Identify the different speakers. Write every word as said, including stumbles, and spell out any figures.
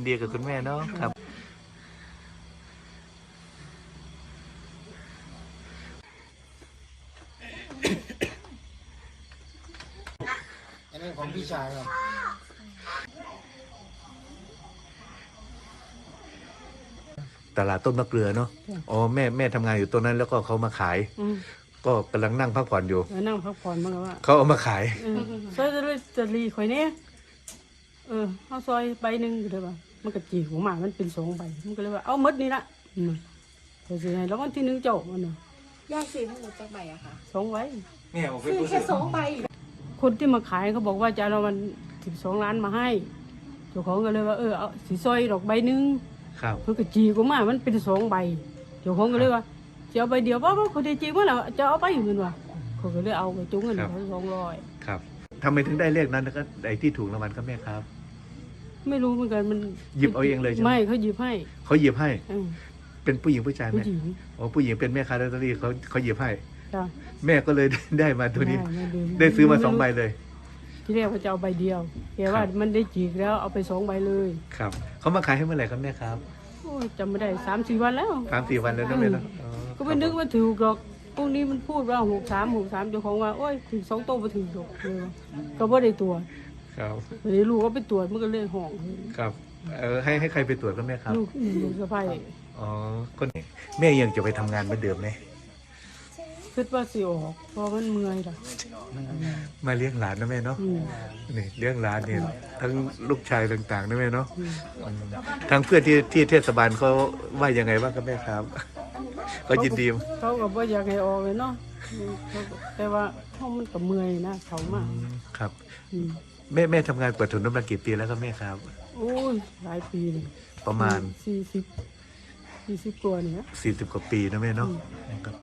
Speaker 1: ดีกับคุณแม่เนาะครับ
Speaker 2: อันนี้ของพี่ชายครับ
Speaker 1: ตลาดต้นมะเกลือเนาะอ๋อแม่แม่ทำงานอยู่ตรงนั้นแล้วก็เขามาขาย
Speaker 3: อืม
Speaker 1: ก็กำลังนั่งพักผ่อนอยู่
Speaker 3: แล้วนั่งพักผ่อนมันก็ว่า
Speaker 1: เขาเอามาขาย
Speaker 3: เออซอยจะเลยจะรีข่อยเนี่ยเออเอาซอยใบหนึ่งก็เลยว่ามันก็จีของหมามันเป็นสองใบมันก็เลยว่าเอาหมดนี่ละอืมแต่สิให้แล้ววันที่หนึ่งเจ้ามันน่ะ
Speaker 4: ยายซื้อทั้งหมดจากใบอะค่ะ
Speaker 3: สองใบ
Speaker 1: แม่บอก
Speaker 4: ซื้อแค่สองใบ
Speaker 3: คนที่มาขายเขาบอกว่าจะเอามันสิบสองล้านมาให้เจ้าของก็เลยว่าเออเอาสีซอยดอกใบหนึ่ง
Speaker 1: ครับ
Speaker 3: เพื่อกจีของหมามันเป็นสองใบเจ้าของก็เลยว่าจะเอาใบเดียวว่าเขาได้จริงว่าเราจะเอาไปเหมือนว่าเขาก็เลยเอาไปจุ้งเงินเขาสองร้อย
Speaker 1: ครับทำไมถึงได้เลขนั้นแล้วก็ไอ้ที่ถูกรางวัลครับแม่ครับ
Speaker 3: ไม่รู้เหมือนกันมัน
Speaker 1: หยิบเอาเองเลยใช่ไหม
Speaker 3: ไม่เขาหยิบให้
Speaker 1: เขาหยิบให้
Speaker 3: เออ
Speaker 1: เป็นผู้หญิงผู้ชาย
Speaker 3: ผู้
Speaker 1: แม่
Speaker 3: หญิง
Speaker 1: อ๋อผู้หญิงเป็นแม่ค้าลอตเตอรี่เขาเขาหยิบให้
Speaker 3: จ้ะ
Speaker 1: แม่ก็เลย ได้มาตัวนี้
Speaker 3: ไม่รู้
Speaker 1: ได้ซื้อมาสองใบเลย
Speaker 3: ที่แรกเขาจะเอาใบเดียวแกว่า
Speaker 1: ครับ
Speaker 3: มันได้จีกแล้วเอาไปสองใบเลย
Speaker 1: ครับเขามาขายให้เมื่อไหร่ครับแม่ครับ
Speaker 3: โอ้ยจำไม่ได้สามสี่วันแล้ว
Speaker 1: สามสี่วันแล้วนะแม่เนาะอ๋อ
Speaker 3: ก็ไม่นึกว่าถือหรอกพวกนี้มันพูดว่าหกสามหกสามเจ้าของว่าโอ้ยถึงสองโต๊ะมาถือหรอกเลยว่าก็บ่ได้ตรวจ
Speaker 1: ครับ
Speaker 3: เดี๋ยวลูกก็ไปตรวจมันก็เลยห่อง
Speaker 1: ครับเออให้ให้ใครไปตรวจครับแม่ครับ
Speaker 3: ลูกลูกสะใภ้
Speaker 1: อ๋อคนนี้แม่ยังจะไปทำงานเหมือนเดิมไหม
Speaker 3: คิดว่าสิออกเพราะมันเมื่อยล่ะ
Speaker 1: มาเลี้ยงหลานนะแม่เนาะ
Speaker 3: อืม
Speaker 1: นี่เลี้ยงหลานเนี่ยทั้งลูกชายต่างๆนะแม่เนาะอืมทางเพื่อนที่ที่เทศบาลเขาว่ายังไงบ้างครับแม่ครับ ก็ยินดี
Speaker 3: เขาก็บ่อยากให้ออกเลยเนาะอืมเขาก็แต่ว่าเขามันก็เมื่อยนะเขามาก
Speaker 1: ครับ
Speaker 3: อืม
Speaker 1: แม่แม่ทำงานเปิดถุนน้ำมันกี่ปีแล้วครับแม่ครับ
Speaker 3: โอ้ยหลายปีเลย
Speaker 1: ประมาณ
Speaker 3: สี่สิบสี่สิบกว่าเนี่ย
Speaker 1: สี่สิบกว่าปีนะแม่เนาะครับ